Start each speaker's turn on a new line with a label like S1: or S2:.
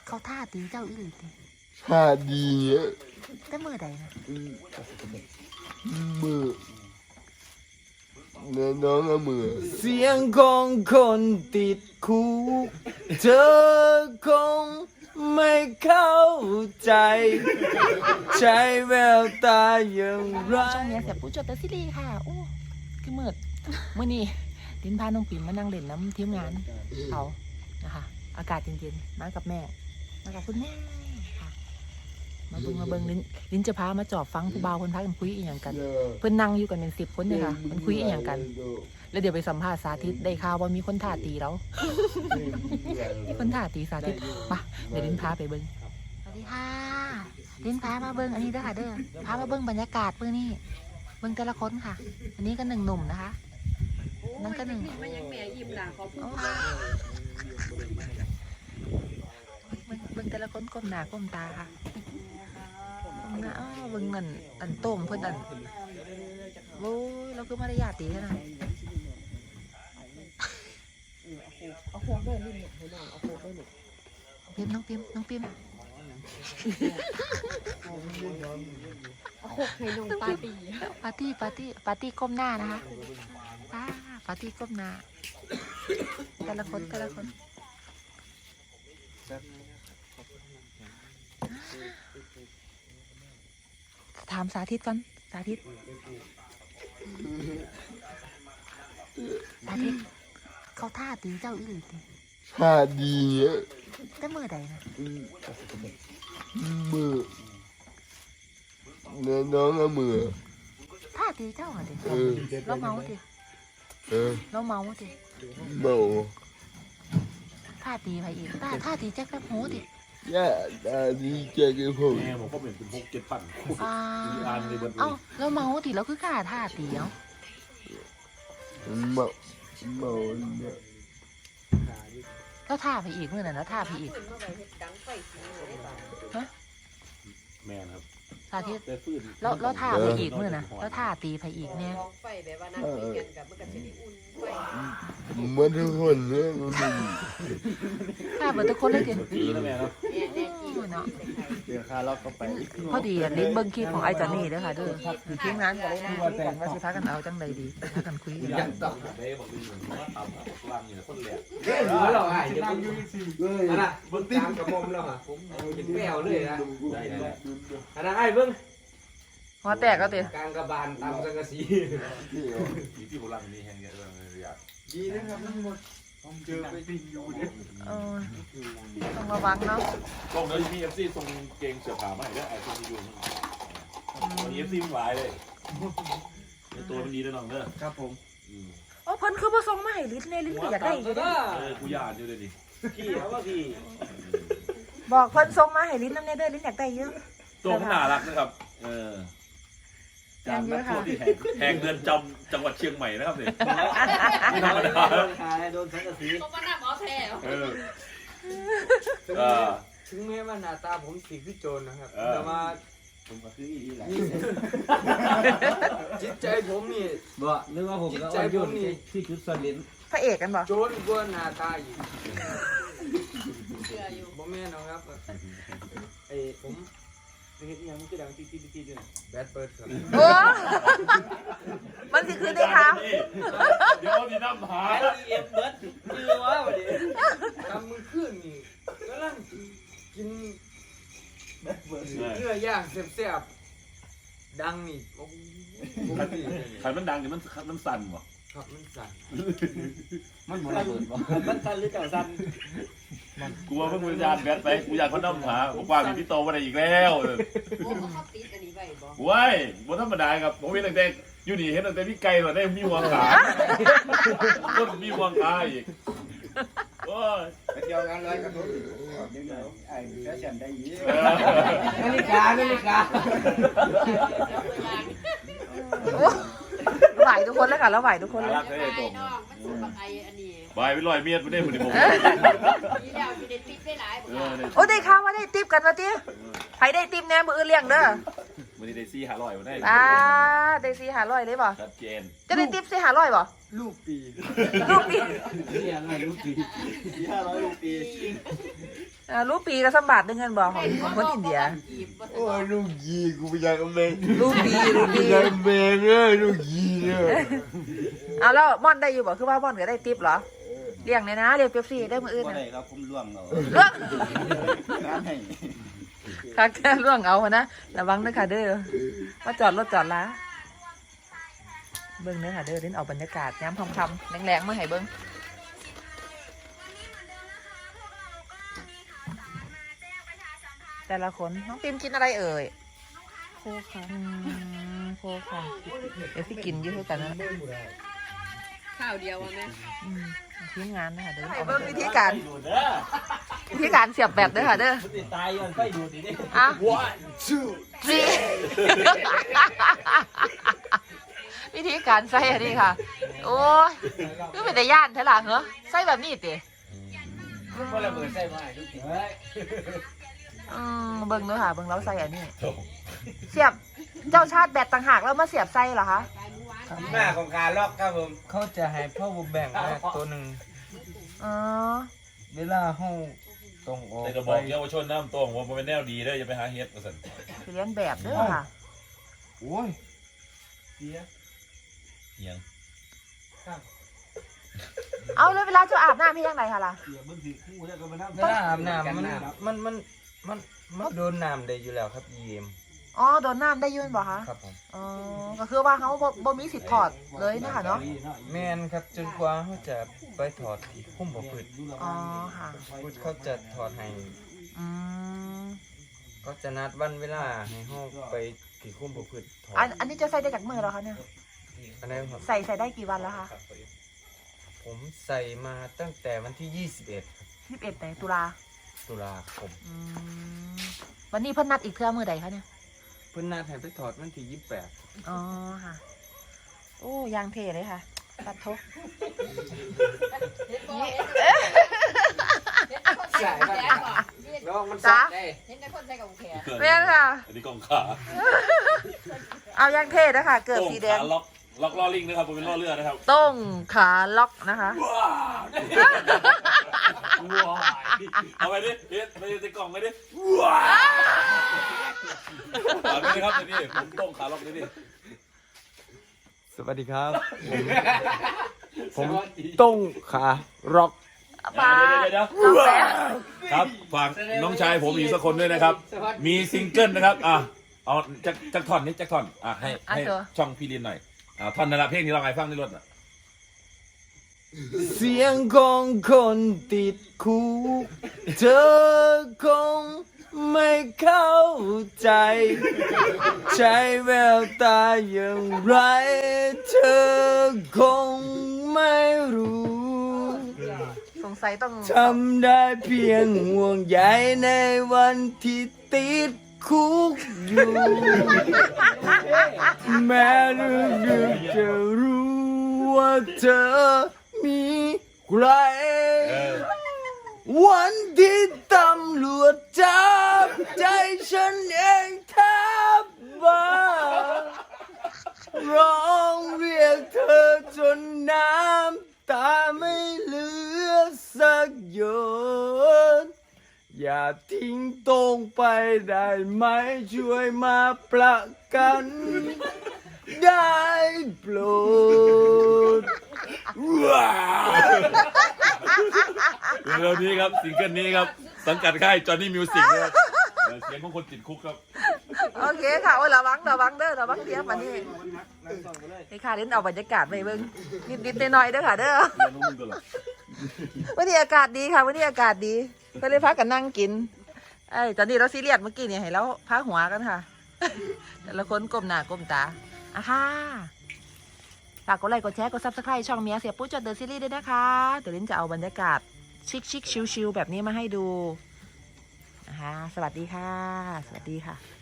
S1: เขาท่าตีเจ้าอีหลีติ
S2: ท่าดีอะ
S1: แต่มือใดนะ
S2: มือเนี่ยน้องเอามือ
S3: เสียงของคนติดคุกเธอคงไม่เข้าใจใช้แววตาอย่างไร
S1: ช่วงนี้เสียผู้จดแต่ซีรีส์ค่ะโอ้คือมืดมื้อนี้ดินพาน้องปิ่มมานั่งเล่นน้ำทีมงานเขานะคะอากาศเย็นๆมากับแม่มากับคุณแม่ค่ะมาเบิ่งลิ้นจะพามาจอบฟังผู้บ่าวคนพักกันคุยอีหยังกัน เพิ่นนั่งอยู่กันเป็น10 คนเลยค่ะมันคุยอีหยังกัน แล้วเดี๋ยวไปสัมภาษณ์สาธิตได้ข่าวว่ามีคนท่าตีแล้วมีคนท่าตีสาธิตมาเดี๋ยวลิ้นพาไปเบิ่งสวัสดีค่ะลิ้นพามาเบิ่งอันนี้เด้อค่ะเด้อพามาเบิ่งบรรยากาศเบิ่งนี่เบิ่งแต่ละคนค่ะ อันนี้ก็1 หนุ่มนะคะนั่นก็1มันยังแม่ยิ้มหล่ะขอพูดค่ะเบิ่งแต่ละคนก้มหน้าก้มตาค่ะก้มหน้าเบิ่งอันโต้มเพิ่นอันโอ้ยเราคือมารยาทดีขนาดเอาโค้งด้วยนี่ให้น้องเอาโค้งด้วยนี่น้องพิมเอาโค้งให้น้องปาร์ตี้ก้มหน้านะคะปาร์ตี้ก้มหน้าแต่ละคนถามสาธิตก่อนสาธิตเขาท่าตีเจ้าอีหลีติ
S2: ท่าดีอะ
S1: แต่มือใดนะ
S2: มือเนี่ยน้องเอามือ
S1: ท่าตีเจ้าเหรอดิเราเมาดิ เราเมาดิ
S2: เมา
S1: ท่าตีไปอีกท่าตีแจ็คแป๊บโหดิ
S2: ย่าตาดีเจ๊กี้ผม
S4: แม่ผมก็เป็น6-7 ปั่น
S1: เอ้าเราเมาดิเราคือกล้าท่าตีเนาะ
S2: เมาเนี่ย
S1: แล้วท่าไปอีกเมื่อไหร่แล้วท่าไปอีกฮะ
S4: แม่ครับ
S1: สาธิต
S4: แต่ฟื้น
S1: แล้วท่าไปอีกเมื่อนะแล้วท่าตีไปอีกเนี่ย
S5: ไฟแบบว่านั่งคุยกันกับมันก็จะได้อุ่นไฟ
S2: เหมือนทุกคนเนี่ยมัน
S1: ท่าเหมือนทุกคนเลยดิ
S4: ดีนะแม่ครับ
S5: เนี่ยแน่จริง
S1: เนาะ
S3: เดี๋ยวข้าเราก็ไป
S1: พอดีลิ้นเบิ้งคลิปของไอ้จอนนี่เด้อค่ะเด้อทีมงานก็เลยนะคุยกันว่าสิพากันเอาจังใดดีพากันคุย
S4: ยันต่อได้บอกดีเหมือนว่าตำวางอยู่คนแหลก
S6: เฮ้ยหัวเราอ่ะจะนั่งอยู่สิอันน่ะเบิ้งตามกับมมแล้วอ่ะผมกินแมวเลยนะ
S4: ได้ได้
S6: อันนั้นไอ้เบิ้ง
S1: หัวแตกก็เตะ
S6: กลางกระบาลตามสังกะสี
S4: มีที่โบราณนี่แห่งเยอะเลยอยาก
S6: ดีนะครับทั้งหมดผมเจอไปติงอยู่เนี่ย
S1: ต้องระวังเนาะ
S4: ตรงนั้นมีเอฟซีส่งเกงเสื้อผ้ามาให้ด้วยไอ้คนที่อยู่วันนี้เอฟซีมันหลายเลยตัวมันดีด้วยน้องเด้อ
S6: ครับผม
S1: โอ้เพิ่นคือบ่ส่งมาให้ลิ้นในลิ้นก็อยากได้อยู่เด้อ
S4: กูยานอยู่เลยดิ
S6: พี่เขาว่าพี่
S1: บอกเพิ่นส่งมาให้ลิ้นนำในเด้อลิ้นอยากได้เยอะ
S4: ตัวมันน่ารักนะครับจากนักโทษที่แห่งเดือนจำจังหวัดเชียงใหม่นะครับเนี่ยไม่ธรรมดา
S6: โดนขายโดนสังกะสี
S5: เขามาหน้าหมอแท้
S6: ถึงแม้ว่าหน้าตาผมสีคือโจรนะครับแต่ว่า
S3: ผมก็คืออีหลาย
S6: จิตใจผมนี่
S3: บ่นึกว่าผมก็เอายุ่นที่ชุดสลิน
S1: พระเอกกันบ่
S6: โจรกว่าหน้าตาอีก
S5: เชื่ออยู่
S6: บ่แม่นนะครับไอ้ผมเฮ็ดยังมันคือดังตีด้วยแบดเบิร์ดครับ
S1: โอ้มันสิคือได้ถาม
S4: เดี๋ยวนี่น้ำหา
S6: เอ็มเบิร์ดชื่อว่าวันนี้ทำมือขึ้นนี่กำลังกินเนื้อย่างแซ่บๆดังนี่โอ้โห
S4: ขันมันดังเดี๋ยวมันสั่นวะ
S6: ครับมันสั่น
S3: มันบ่ระเบิดบ่
S6: มันสั่นหรือเจ้าสั่น
S4: กูว่าเพิ่งวิญญาณแบทไปกูอยากเขาน้ำหาผมว่ามีพี่โตมาได้อีกแล้ว
S5: โอ้เขาติดอันนี้ไว้บ่
S4: ว้ายบนธรรมดาครับผมเห็นตั้งแต่อยู่นี่เห็นตั้งแต่พี่ไก่มาได้มีหัวขาต้นมีหัวขาอีกโอ้ย
S3: ไปเที่ยวงานลอยกระทงเดี๋ยวไอ้แฟชั่นได้ยิน
S6: นาฬิกา
S1: ไหวทุกคนแล้วค่ะแล้วไหวทุกคนเลย
S4: รักเลยตรง
S5: น้องมันสุกไออันนี้
S4: บายไปลอยเมียดไม่ได้เหมือนผม
S5: มีแล้วมีได้ติดได้หลายบ่
S1: โอ้ได้ข่าวว่าได้ติ๊บกันมาติไผได้ติ๊บแน่มืออื่นเลี้ยงเด้อ
S4: มันได้ซี่หาลอยมาได้
S1: ได้400เลยบ่
S4: ชัดเจน
S1: จะได้ติ๊บ400บ่
S6: ลูกปี
S1: ลูกปี
S3: นี่อะไรลูกปี500ลูกปี
S1: รูปีกับสมบัติได้เงินบอกของคนอินเดีย
S2: โอ้ยลูกยีกูไปอยากกับแม่
S1: รูปี
S2: อยากแม่เลยลูกยีเนี่ย
S1: เอาแล้วม่อนได้อยู่บอกคือว่าม่อนก็ได้ทิปเหรอเลี้ยงเลยนะเลี้ยงเป๊ปซี่ได้มืออื่น
S7: บ่
S1: นะ
S7: ได้ครับผมล่วงเอา
S1: เรื่อง
S7: งานให้
S1: ค่ะแค่เรื่องเอานะระวังนะค่ะเด้อว่าจอดรถจอดละเบิ้งเนื้อค่ะเด้อเล่นเอาบรรยากาศย้ำคำๆแรงๆมาให้เบิ้งแต่ละคนน้องปิมกินอะไรเอ่ยโคค่ะโคค่ะเดี๋ยวพี่กินเยอะกันนะ
S5: ข้าวเดียวแม่
S1: ทีมงานนะคะเด้อเอาเบิ้งวิธีการเสียบแบตเด้อค่ะเด้อ
S7: ตายย้อนไฟดูดดิ
S1: อ่ะ
S2: one two
S1: นี่วิธีการใส่อันนี้ค่ะ โอ้ยคือเป็นแต่ย่านเท่าไหร่เหรอใส่แบบนี้ติ
S6: บ่ระเบิดใส่มาทุกที
S1: เบิ่งเด้อค่ะเบิ่งเราใส่อันนี้เสียบเจ้าชาติแบตต่างหากแล้วมาเสียบใส่เหรอคะ
S6: ที่มาของการล็อกครับผมเขาจะให้พ่อบุแบ่งมาตัวหนึ่ง
S1: อ๋อ
S6: เวลาห้องตรงออก
S4: แต่ก็บอกเยาวชนน้ำตรงว่ามันเป็นแนวดีเด้ออย่าไปหาเฮ็ดว่าซั่น
S1: สิเรียนแบบเด้อค่ะ
S6: โอ้ย
S4: เหียง
S1: เอาแล้วเวลาเจ้าอาบน้ำพี่ยังไงคะล่ะ
S6: เวลาอาบน้ำมันโดนน้ำได้อยู่แล้วครับยีม
S1: อ๋อโดนน้ำได้ยืนบ่คะ
S6: ครับผม
S1: อ๋อก็คือว่าเขาบ่มีสิทธิ์ถอดเลยนะคะเนาะ
S6: แม่นครับจนกว่าเขาจะไปถอดที่คุ้มบ่พืช
S1: อ๋อค่ะ
S6: พุทธเขาจะถอดให้
S1: อืม
S6: ก็จะนัดวันเวลาให้ห้องไปที่คุ้มบ่พืชถอด
S1: อันนี้จะใส่ได้จากมือแล้วคะเนี่ย
S6: อันนี้ครับ
S1: ใส่ได้กี่วันแล้วคะ
S6: ผมใส่มาตั้งแต่วันที่ 21ครับ
S1: 21ไหนตุลา
S6: ตุลาคม
S1: อืมวันนี้เพิ่นนัดอีกเทื่อมือใดคะเนี่ย
S6: เพิ่นนัดให้ไปถอดวันที่28
S1: อ๋อค่ะ โอ้ยางเทเลยค่ะ ตัดทบ
S5: ใช่ป่ะ
S6: น้องมัน
S1: จ้า
S5: เห็นแต่คนใส่กับแขน
S1: เรียนค่ะ
S4: อันนี้กองขา
S1: เอายางเทนะคะเกิด
S4: โต้ง
S1: สีแดง
S4: ขาล็อกล้อลิงนะครับผมเป็นล้อเรือนะครับ
S1: ต้งขาล็อกนะคะ
S4: เอาไปดิเฮ็ดไปในกล่องไปดิเอาไปเลยครับนี่ผมโต้งขาล็อกนี่ดิ
S6: สวัสดีครับ ผมต้งขาร็อก
S1: ปลา
S4: เดี๋ยว
S1: น้องแป๊ะ
S4: ครับฝากน้องชายผมอีกสักคนด้วยนะครับ มีซิงเกิลนะครับเอาจักท่อนนี้จักท่อนให้ช่องพี่ลินหน่อยท่อนนั่นแหละเพลงที่เราไงฟังในรถน่ะ
S6: เสียงของคนติดคุกเธอคงไม่เข้าใจ ใช้แววตาอย่างไร เธอคงไม่รู้
S1: สงสัยต้อง
S6: ทำได้เพียงห่วงใยในวันที่ติดคุกอยู่ แม้ลึกๆจะรู้ว่าเธอมีใคร วันที่ตำรวจจับใจฉันเองแทบบ้าร้องเรียกเธอจนน้ำตาไม่เหลือสักหยดอย่าทิ้งตรงไปได้ไหมช่วยมาประกันได้โปรด
S4: เร็วๆนี้ครับซิงเกิลนี้ครับสังกัดค่ายจอห์นนี่มิวสิกนะครับเสียงของคนติดคุกครับ
S1: โอเคค่ะโอ้ยระวังเด้อระวังเทียบมานี่นี่ค่ะเล่นเอาบรรยากาศไปเบิ่งนิดๆหน่อยๆเด้อค่ะเด้อ
S4: เรียนรู้มึงตลอด
S1: วันนี้อากาศดีค่ะวันนี้อากาศดีก็เลยพักกันนั่งกินตอนนี้เราซีเรียสเมื่อกี้เนี่ยให้เราพักหัวกันค่ะ แต่ละคนก้มหน้าก้มตาค่ะฝากกดไลค์กดแชร์กด Subscribe ช่องเมียเสียปุ๊จดเดอะซีรีส์ด้วยนะคะเดี๋ยวลิ้นจะเอาบรรยากาศชิคๆชิลๆแบบนี้มาให้ดูนะคะสวัสดีค่ะ